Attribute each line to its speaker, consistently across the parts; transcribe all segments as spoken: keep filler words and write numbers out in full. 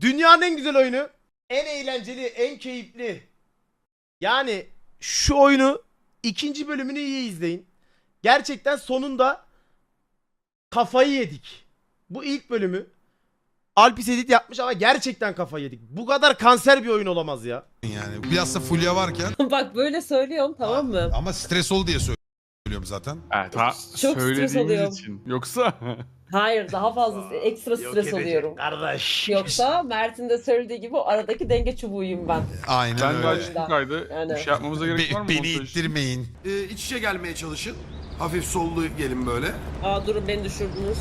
Speaker 1: Dünyanın en güzel oyunu. En eğlenceli, en keyifli. Yani şu oyunu ikinci bölümünü iyi izleyin. Gerçekten sonunda kafayı yedik. Bu ilk bölümü Alpis edit yapmış ama gerçekten kafayı yedik. Bu kadar kanser bir oyun olamaz ya.
Speaker 2: Yani biraz da Fulya varken.
Speaker 3: Bak böyle söylüyorum tamam mı?
Speaker 2: Ama stres ol diye söylüyorum zaten.
Speaker 4: Evet, ha,
Speaker 3: Çok stres oluyorum.
Speaker 4: söylediğimiz için. Yoksa
Speaker 3: Hayır daha fazla ekstra stres oluyorum.
Speaker 1: Kardeş.
Speaker 3: Yoksa Mert'in de söylediği gibi o aradaki denge çubuğuyum ben.
Speaker 2: Aynen
Speaker 4: ben de
Speaker 2: öyle.
Speaker 4: açtım kaydı.
Speaker 3: Yani.
Speaker 4: Bir şey yapmamıza gerek
Speaker 2: Be-
Speaker 4: var mı?
Speaker 2: beni
Speaker 4: montaj?
Speaker 2: ittirmeyin.
Speaker 5: Ee, iç içe gelmeye çalışın. Hafif sollu gelin böyle.
Speaker 3: Aa durun beni düşürdünüz.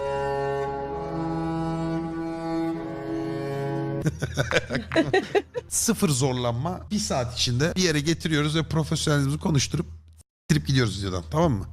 Speaker 2: Sıfır zorlanma. Bir saat içinde bir yere getiriyoruz ve profesyonelimizi konuşturup trip gidiyoruz videodan. Tamam mı?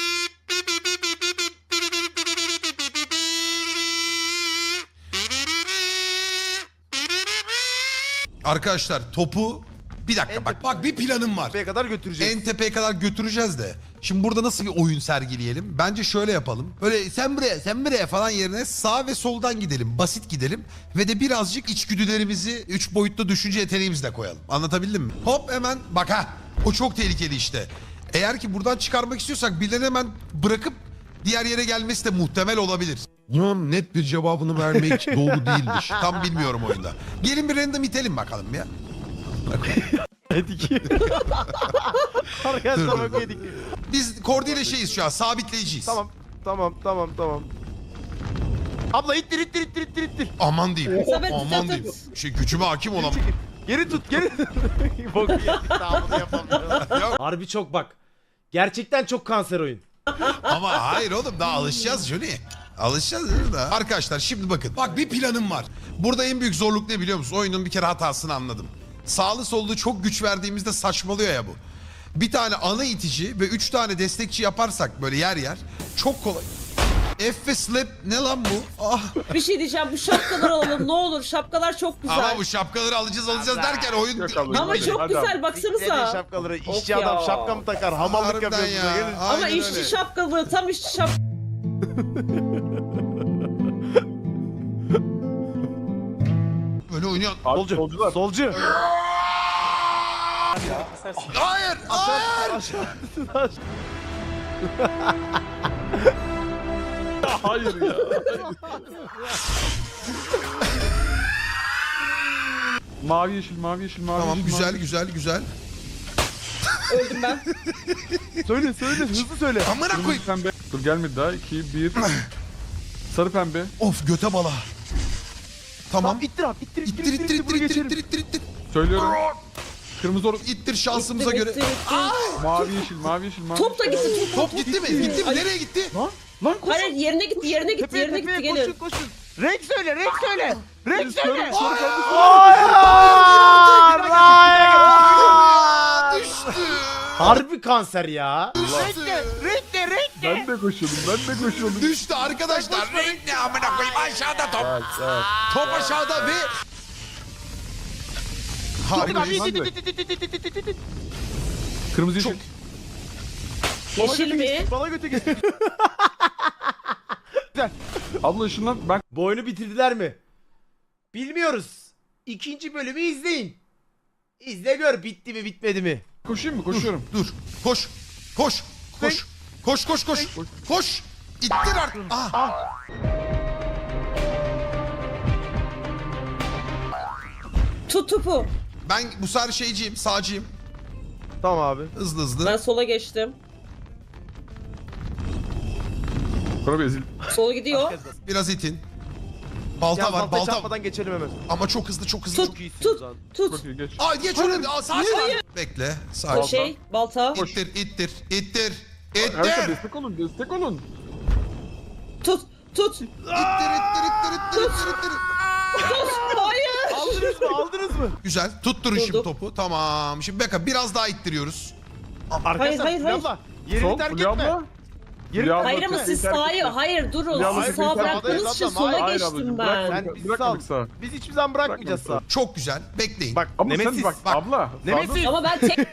Speaker 2: Arkadaşlar topu bir dakika bak bak bir planım var.
Speaker 1: Tepeye kadar götüreceğiz.
Speaker 2: En tepeye kadar götüreceğiz de. Şimdi burada nasıl bir oyun sergileyelim? Bence şöyle yapalım. Böyle sen buraya sen buraya falan yerine sağ ve soldan gidelim. Basit gidelim. Ve de birazcık içgüdülerimizi üç boyutlu düşünce yeteneğimizle koyalım. Anlatabildim mi? Hop hemen bak ha. O çok tehlikeli işte. Eğer ki buradan çıkarmak istiyorsak birilerini hemen bırakıp diğer yere gelmesi de muhtemel olabilir. Bunun net bir cevabını vermek doğru değildir. Tam bilmiyorum oyunda. Gelin bir random itelim bakalım ya.
Speaker 1: Yedik. Arkadaşlar bak yedik.
Speaker 2: Biz Kordi ile şeyiz şu an, sabitleyiciyiz.
Speaker 1: Tamam. Tamam tamam tamam. Abla ittir ittir ittir ittir ittir.
Speaker 2: Aman diyeyim.
Speaker 3: Sabit,
Speaker 2: Aman
Speaker 3: sabit.
Speaker 2: diyeyim. Şey gücüme hakim olan.
Speaker 1: Geri tut geri. Bok yedik. Daha bunu yapamıyorum.
Speaker 2: Ya,
Speaker 1: Harbi çok bak. Gerçekten çok kanser oyun.
Speaker 2: ama hayır oğlum daha alışacağız Johnny. Alışacağız değil mi daha? Arkadaşlar şimdi bakın. Bak bir planım var. Burada en büyük zorluk ne biliyor musun? Oyunun bir kere hatasını anladım. Sağlı sollu çok güç verdiğimizde saçmalıyor ya bu. Bir tane ana itici ve üç tane destekçi yaparsak böyle yer yer çok kolay. F ve slap ne lan bu? Ah.
Speaker 3: Bir şey diyeceğim bu şapkaları alalım ne olur şapkalar çok güzel.
Speaker 2: Ama bu şapkaları alacağız alacağız derken oyun...
Speaker 4: Yok abi.
Speaker 3: Ama çok
Speaker 4: Hadi
Speaker 3: güzel
Speaker 4: abi.
Speaker 3: baksanıza.
Speaker 1: Siklerin şapkaları. İşçi
Speaker 3: Of ya.
Speaker 1: adam şapka mı takar? Hamallık
Speaker 2: Harbiden
Speaker 1: yapıyor
Speaker 2: ya.
Speaker 1: burada. Gelin.
Speaker 3: Ama
Speaker 2: Aynen
Speaker 3: işçi
Speaker 2: öyle.
Speaker 3: şapkalı tam işçi şap.
Speaker 2: Böyle oynuyor.
Speaker 4: Abi,
Speaker 1: Solcu.
Speaker 4: solcular.
Speaker 1: Solcu.
Speaker 2: Hayır! Hayır!
Speaker 4: Hayır ya. Mavi yeşil, mavi yeşil, mavi
Speaker 2: Tamam
Speaker 4: yeşil.
Speaker 2: güzel
Speaker 4: mavi.
Speaker 2: güzel güzel.
Speaker 3: Öldüm ben.
Speaker 1: Söyle söyle hızlı söyle.
Speaker 2: Amına
Speaker 4: Kırmızı
Speaker 2: koyayım.
Speaker 4: pembe. Dur gelmedi daha. iki, bir. Sarı pembe.
Speaker 2: Of göte bala. Tamam.
Speaker 1: Tamam ittir abi ittir
Speaker 2: İttir ittir ittir
Speaker 1: bunu
Speaker 2: ittir
Speaker 1: geçelim.
Speaker 2: ittir ittir ittir.
Speaker 4: Söylüyorum. Kırmızı or.
Speaker 2: İttir şansımıza
Speaker 3: İttir,
Speaker 2: göre.
Speaker 3: ittir, ittir.
Speaker 4: Mavi yeşil, mavi yeşil, mavi
Speaker 3: Top da
Speaker 4: yeşil.
Speaker 3: gitti top.
Speaker 2: Top gitti mi? Gitti mi?
Speaker 3: Ay.
Speaker 2: Nereye gitti?
Speaker 4: Lan koş.
Speaker 3: Hayır yerine gitti yerine gitti
Speaker 1: Tepeye
Speaker 3: yerine
Speaker 1: tepeye
Speaker 3: gitti
Speaker 1: koşun
Speaker 3: gelin.
Speaker 1: koşun. Renk söyle renk söyle. Renk söyle.
Speaker 2: Hayır!
Speaker 1: Hayır!
Speaker 2: Düştü.
Speaker 1: Harbi kanser ya.
Speaker 2: Renkle,
Speaker 1: renkle, renkle.
Speaker 4: Ben de koşuyordum, ben de koşuyordum.
Speaker 2: Düştü arkadaşlar. Renk ne amına koyayım aşağıda top.
Speaker 4: Evet, evet.
Speaker 2: Top aşağıda ve... Harikayız.
Speaker 4: Kırmızı yeşil.
Speaker 3: Yeşil mi?
Speaker 1: Bana götü gel.
Speaker 4: Abla ışınlan. Ben
Speaker 1: Bu oyunu bitirdiler mi? Bilmiyoruz. İkinci bölümü izleyin. İzle gör bitti mi bitmedi mi?
Speaker 4: koşayım mı? Koşuyorum.
Speaker 2: Dur. Koş. Koş. Koş. Koş koş koş. Koş. İttir artık. Ah.
Speaker 3: Tut topu.
Speaker 2: Ben bu sefer şeyciyim, sağcıyım.
Speaker 1: Tamam abi.
Speaker 2: Hızlı hızlı.
Speaker 3: Ben sola geçtim.
Speaker 4: Sonra bir ezil.
Speaker 3: Sol gidiyor.
Speaker 2: Biraz itin. Balta
Speaker 1: Ya,
Speaker 2: var, balta.
Speaker 1: çarpmadan geçelim hemen.
Speaker 2: Ama çok hızlı, çok hızlı.
Speaker 3: Tut
Speaker 2: Çok...
Speaker 3: tut tut.
Speaker 4: Çok iyi geç.
Speaker 2: Ay geç öyle. Aa, sağ sağ. Bekle. Sağ.
Speaker 3: O şey balta.
Speaker 2: İttir, ittir, ittir.
Speaker 4: Arkadaşlar
Speaker 2: İttir.
Speaker 4: destek olun, destek olun.
Speaker 3: Tut tut.
Speaker 2: İttir, ittir, ittir, ittir, ittir, ittir.
Speaker 3: Tut. Hayır.
Speaker 1: Aldınız mı aldınız mı?
Speaker 2: Güzel. Tutturun şimdi
Speaker 3: Durduk.
Speaker 2: topu. Tamam. Şimdi Beka biraz daha ittiriyoruz.
Speaker 1: Arkadaşlar
Speaker 3: hayır, hayır.
Speaker 1: abla, yerini
Speaker 4: Sol,
Speaker 1: terk
Speaker 4: Fulya
Speaker 1: etme.
Speaker 4: abla.
Speaker 1: Yerini
Speaker 4: Fulya abla,
Speaker 3: Hayır ama
Speaker 4: terk
Speaker 3: siz
Speaker 4: etme.
Speaker 3: sağa hayır durun.
Speaker 4: Ya,
Speaker 3: Siz
Speaker 4: hayır,
Speaker 3: sağa
Speaker 4: biz
Speaker 3: bıraktığınız için
Speaker 1: sağdayız
Speaker 3: sola
Speaker 1: abla,
Speaker 4: hayır
Speaker 3: geçtim
Speaker 4: ablacığım,
Speaker 3: ben.
Speaker 4: bırakma.
Speaker 1: Sen bizi
Speaker 4: Bırakmadık
Speaker 1: sal.
Speaker 4: sağa.
Speaker 1: Biz hiçbir zaman bırakmayacağız sağ.
Speaker 4: Bırakmadık
Speaker 2: Çok güzel. Bekleyin.
Speaker 1: Bak
Speaker 4: Ama
Speaker 1: Nemesis.
Speaker 4: sen bak,
Speaker 2: bak.
Speaker 4: abla.
Speaker 1: Nemesis.
Speaker 4: sağda-
Speaker 3: Ama ben tek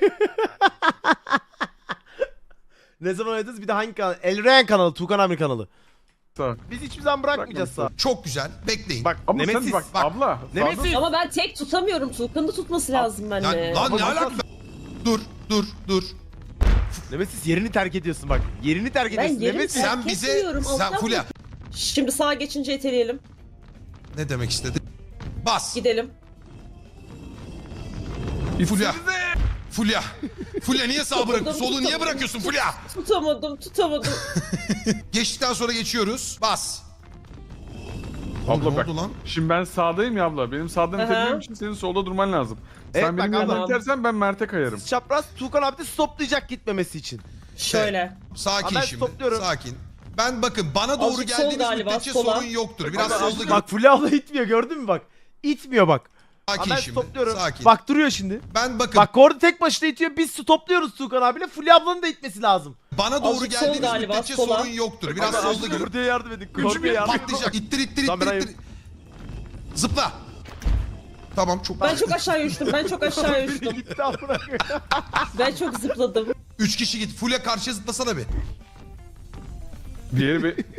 Speaker 1: Ne zaman oynadınız? Bir de hangi kanal? Elren kanalı, Tukan Amir kanalı.
Speaker 4: Sağ.
Speaker 1: Biz hiçbir zaman bırakmayacağız sağ.
Speaker 2: Çok güzel. Bekleyin.
Speaker 1: Bak
Speaker 4: Ama
Speaker 1: Nemesis.
Speaker 4: sen bak,
Speaker 2: Bak.
Speaker 4: abla.
Speaker 1: Nemesis.
Speaker 4: sağda-
Speaker 3: Ama ben tek tutamıyorum. Tuğkan'ın da tutması lazım
Speaker 2: Ya,
Speaker 3: benimle.
Speaker 2: lan ne
Speaker 1: Ama-
Speaker 2: alaka? Dur, dur, dur.
Speaker 1: Nemesis yerini terk ediyorsun bak. Yerini terk ediyorsun.
Speaker 3: yerimi
Speaker 1: Nemesis.
Speaker 3: terk-
Speaker 2: Sen bize,
Speaker 3: etmiyorum,
Speaker 2: sen
Speaker 3: alttan
Speaker 2: Fulya.
Speaker 3: Şimdi sağa geçince iteleyelim.
Speaker 2: Ne demek istedin? Bas.
Speaker 3: Gidelim.
Speaker 2: Fulya. Fulya. Fulya niye sağ bırakıyorsun?
Speaker 3: Tutamadım,
Speaker 2: Solu niye
Speaker 3: tutamadım.
Speaker 2: bırakıyorsun Fulya?
Speaker 3: Tutamadım, tutamadım.
Speaker 2: Geçtikten sonra geçiyoruz. Bas. Oğlum,
Speaker 4: Abla
Speaker 2: ne
Speaker 4: bak.
Speaker 2: oldu lan?
Speaker 4: Şimdi ben sağdayım ya abla. Benim sağdan
Speaker 3: Aha.
Speaker 4: itebilmem için senin solda durman lazım.
Speaker 1: Evet,
Speaker 4: Sen
Speaker 1: bak
Speaker 4: benim yanımdan
Speaker 3: abla.
Speaker 4: itersen ben Mert'e kayarım.
Speaker 1: Çapraz Tuğkan abi de stoplayacak gitmemesi için.
Speaker 3: Şöyle.
Speaker 2: Sakin
Speaker 1: Ama ben
Speaker 2: şimdi.
Speaker 1: stopluyorum.
Speaker 2: Sakin. Ben bakın bana doğru
Speaker 3: Azıcık sol
Speaker 2: geldiğiniz
Speaker 3: galiba,
Speaker 2: müddetçe
Speaker 3: sola.
Speaker 2: sorun yoktur. Biraz
Speaker 1: Bak,
Speaker 2: solda
Speaker 1: bak Fulya abla itmiyor gördün mü bak. İtmiyor bak. Ama
Speaker 2: Sakin
Speaker 1: ben
Speaker 2: şimdi.
Speaker 1: stopluyorum.
Speaker 2: Sakin.
Speaker 1: Bak duruyor şimdi.
Speaker 2: Ben bakın
Speaker 1: Bak Kordi tek başına itiyor. Biz stopluyoruz Tuğkan abiyle. Fulya ablanın da itmesi lazım.
Speaker 2: bana doğru
Speaker 3: Azıcık sol
Speaker 2: geldiğiniz
Speaker 3: galiba,
Speaker 2: müddetçe
Speaker 3: sola.
Speaker 2: sorun yoktur. Biraz
Speaker 1: Ama
Speaker 2: solda görün.
Speaker 1: Kordi'ye yardım edin.
Speaker 2: Üçümüz
Speaker 1: Kordi'ye yardım edin.
Speaker 2: patlayacak. İttir ittir
Speaker 1: Tamam,
Speaker 2: ittir
Speaker 1: ben
Speaker 2: ittir. Zıpla. Tamam çok.
Speaker 3: Ben çok aşağıya uçtum. Ben çok aşağıya uçtum.
Speaker 1: Gitti amına koyayım.
Speaker 3: Ben çok zıpladım.
Speaker 2: Üç kişi git. Fulya karşıya zıplasana bir.
Speaker 4: Diğeri bir...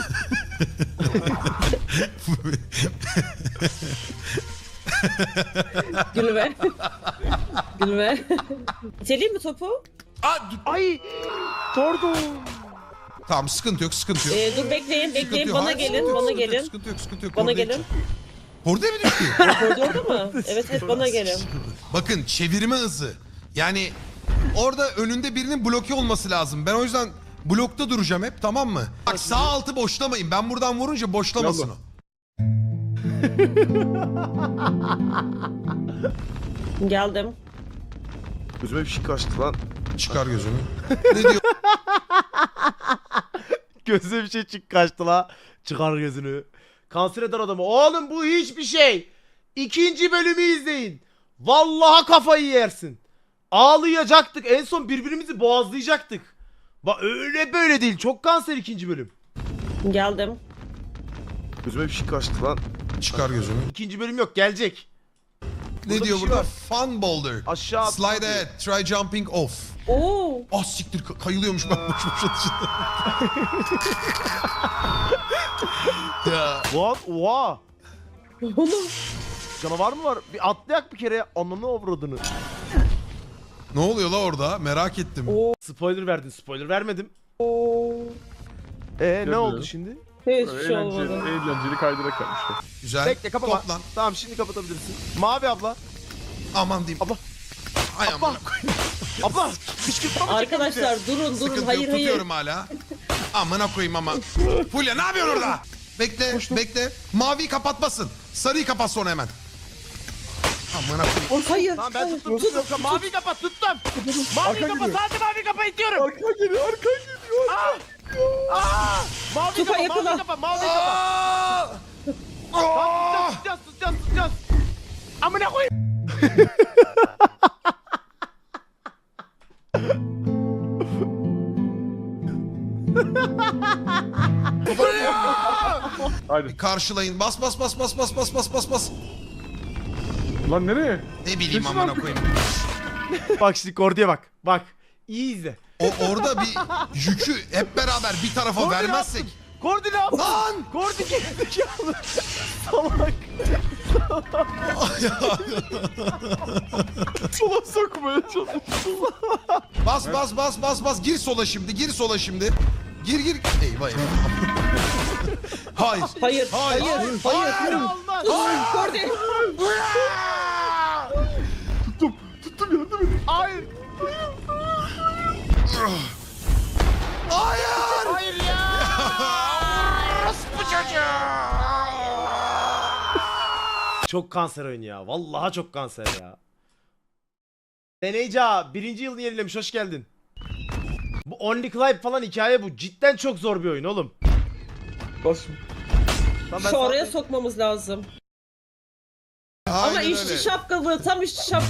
Speaker 3: Gülme. Gülme. İteleyeyim mi topu?
Speaker 2: Aa, dur.
Speaker 1: Ay! Tordo.
Speaker 2: Tamam sıkıntı yok sıkıntı yok.
Speaker 3: Ee, dur bekleyin,
Speaker 2: Sıkıntı
Speaker 3: bekleyin.
Speaker 2: yok.
Speaker 3: Bana
Speaker 2: Hayır,
Speaker 3: gelin,
Speaker 2: sıkıntı yok,
Speaker 3: bana
Speaker 2: sıkıntı yok,
Speaker 3: gelin.
Speaker 2: Sıkıntı yok sıkıntı yok.
Speaker 3: Bana
Speaker 2: Orada
Speaker 3: gelin.
Speaker 2: Orada mı düştü?
Speaker 3: Koridorda mı? Evet, evet bana gelin.
Speaker 2: Bakın çevirme hızı. Yani orada önünde birinin bloke olması lazım. Ben o yüzden blokta duracağım hep, tamam mı? Bak sağ altı boşlamayın. Ben buradan vurunca boşlamasın o.
Speaker 3: Geldim.
Speaker 1: Gözüme bir şey kaçtı lan.
Speaker 2: Çıkar gözünü. Ne diyor?
Speaker 1: Gözüme bir şey çık kaçtı la. Çıkar gözünü. Kanser eder adamı. Oğlum bu hiçbir şey. İkinci bölümü izleyin. Vallahi kafayı yersin. Ağlayacaktık. En son birbirimizi boğazlayacaktık. Bak öyle böyle değil. Çok kanser ikinci bölüm.
Speaker 3: Geldim.
Speaker 1: Gözüme bir şey kaçtı lan.
Speaker 2: Çıkar gözünü.
Speaker 1: İkinci bölüm yok. Gelecek.
Speaker 2: Ne
Speaker 1: Burada
Speaker 2: diyor
Speaker 1: bir şey
Speaker 2: burada?
Speaker 1: var.
Speaker 2: Fun boulder.
Speaker 1: Aşağı atla
Speaker 2: Slide
Speaker 1: diyor.
Speaker 2: ahead. Try jumping off.
Speaker 3: Oo.
Speaker 2: Ah siktir ka- kayılıyormuş ben boş boş atışında. Ya.
Speaker 1: What? Oha.
Speaker 3: Oğlum.
Speaker 1: Canavar mı var? Bir atlayak bir kere. Ananı avradını.
Speaker 2: Ne oluyor la orada? Merak ettim.
Speaker 1: Spoiler verdin. Spoiler vermedim.
Speaker 3: Oo.
Speaker 1: Ee ne
Speaker 4: Yapıyor.
Speaker 1: oldu şimdi?
Speaker 3: Hiçbir şey
Speaker 4: Eğlenceli,
Speaker 3: olmadı.
Speaker 4: eğlenceli kaydırak yapmışlar.
Speaker 2: Güzel.
Speaker 1: Bekle kapama.
Speaker 2: Toplan.
Speaker 1: Tamam şimdi kapatabilirsin. Mavi abla.
Speaker 2: Aman diyeyim.
Speaker 1: Abla.
Speaker 2: Ay
Speaker 1: Abla.
Speaker 2: aman.
Speaker 1: Abla. Kışkırtma mı
Speaker 3: Arkadaşlar durun durun.
Speaker 2: Sıkıntı
Speaker 3: Hayır
Speaker 2: yok,
Speaker 3: hayır.
Speaker 2: tutuyorum hala. Amına koyayım ama. Fulya ne yapıyorsun orada? Bekle, bekle. Maviyi kapatmasın. Sarıyı kapat sonra hemen. Amına koyayım.
Speaker 3: Hayır.
Speaker 1: Tamam ben
Speaker 3: hayır.
Speaker 1: tuttum tuttum. Mavi kapat tuttum. Mavi
Speaker 4: Arka
Speaker 1: kapat
Speaker 4: geliyor.
Speaker 1: hadi mavi kapat itiyorum.
Speaker 4: Arka geliyor, arka geliyor.
Speaker 1: Aa! Mavi
Speaker 3: Tufa
Speaker 1: kapat
Speaker 3: yakala.
Speaker 1: mavi kapat mavi kapat. Tamam, tutacağız tutacağız tutacağız. Amına koyayım.
Speaker 4: Haydi.
Speaker 2: Karşılayın. Bas bas bas bas bas bas bas bas bas.
Speaker 4: Lan nereye?
Speaker 2: Ne bileyim
Speaker 4: Kesin
Speaker 2: amına
Speaker 4: artık.
Speaker 2: koyayım.
Speaker 1: Bak şimdi Kordi'ye bak. Bak. İyi izle.
Speaker 2: O orada bir yükü hep beraber bir tarafa
Speaker 1: Kordi ne
Speaker 2: vermezsek.
Speaker 1: yaptın? Kordi ne yaptın?
Speaker 2: Lan!
Speaker 1: Kordi gerizekalı. Salak.
Speaker 4: Sola sokmaya çalışıyor.
Speaker 2: Bas bas bas bas bas. Gir sola şimdi. Gir sola şimdi. Gir gir. Eyvah eyvah. Hayır.
Speaker 3: Hayır.
Speaker 2: Hayır.
Speaker 3: Hayır. Hayır.
Speaker 1: Hayır olmaz.
Speaker 3: Kordi.
Speaker 4: Tuttum, tuttum yardım edin.
Speaker 1: Hayır.
Speaker 2: Hayır.
Speaker 1: Hayır ya. Çok kanser oyun ya. Vallahi çok kanser ya. Deneyca birinci yılını yenilemiş. Hoş geldin. Bu Only Clive falan hikaye bu. Cidden çok zor bir oyun oğlum.
Speaker 4: Bas şimdi.
Speaker 1: Lan ben
Speaker 3: Şu oraya
Speaker 1: sana-
Speaker 3: sokmamız lazım. Ama
Speaker 2: Aynen
Speaker 3: işçi
Speaker 2: öyle.
Speaker 3: şapkalı. Tam işçi şap.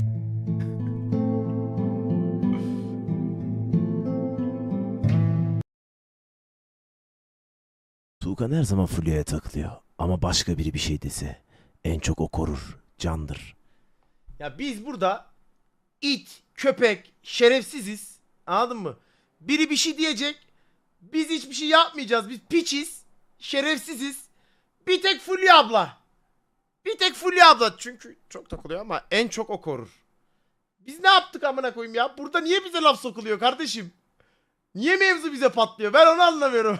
Speaker 6: Tuğkan her zaman Fulya'ya takılıyor. Ama başka biri bir şey dese en çok o korur, candır.
Speaker 1: Ya biz burada it, köpek, şerefsiziz. Anladın mı? Biri bir şey diyecek. Biz hiçbir şey yapmayacağız. Biz piçiz. şerefsiziz. Bir tek Fulya abla. Bir tek Fulya abla. Çünkü çok takılıyor ama en çok o korur. Biz ne yaptık amına koyayım ya? Burada niye bize laf sokuluyor kardeşim? Niye mevzu bize patlıyor? Ben onu anlamıyorum.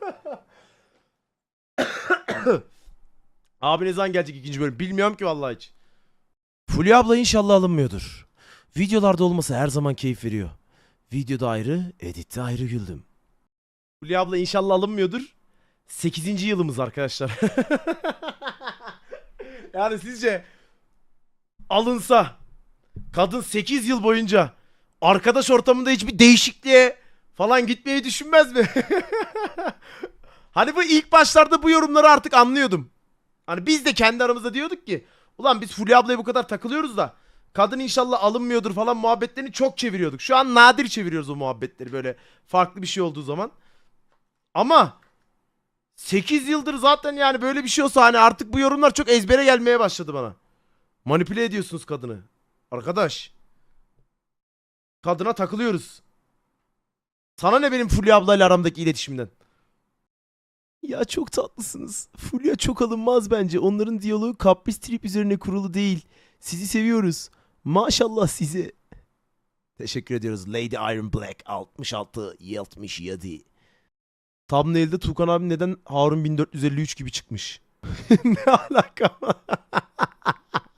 Speaker 1: Abi ne zaman gelecek ikinci bölüm? Bilmiyorum ki vallahi hiç.
Speaker 6: Fulya abla inşallah alınmıyordur. Videolarda olması her zaman keyif veriyor. Videoda ayrı, editte ayrı güldüm.
Speaker 1: Fulya abla inşallah alınmıyordur. sekizinci yılımız arkadaşlar. Yani sizce alınsa kadın sekiz yıl boyunca arkadaş ortamında hiçbir değişikliğe falan gitmeyi düşünmez mi? Hani bu ilk başlarda bu yorumları artık anlıyordum. Hani biz de kendi aramızda diyorduk ki ulan biz Fulya ablaya bu kadar takılıyoruz da kadın inşallah alınmıyordur falan muhabbetlerini çok çeviriyorduk. Şu an nadir çeviriyoruz o muhabbetleri böyle farklı bir şey olduğu zaman. Ama sekiz yıldır zaten yani böyle bir şey olsa hani artık bu yorumlar çok ezbere gelmeye başladı bana. Manipüle ediyorsunuz kadını. Arkadaş. Kadına takılıyoruz. Sana ne benim Fulya ablayla aramdaki iletişimden?
Speaker 6: Ya çok tatlısınız. Fulya çok alınmaz bence. Onların diyaloğu kapris trip üzerine kurulu değil. Sizi seviyoruz. Maşallah size. Teşekkür ediyoruz. Lady Iron Black altmış altı yetmiş yedi.
Speaker 1: Thumbnail'de Tuğkan abi neden Harun bin dört yüz elli üç gibi çıkmış? Ne alaka?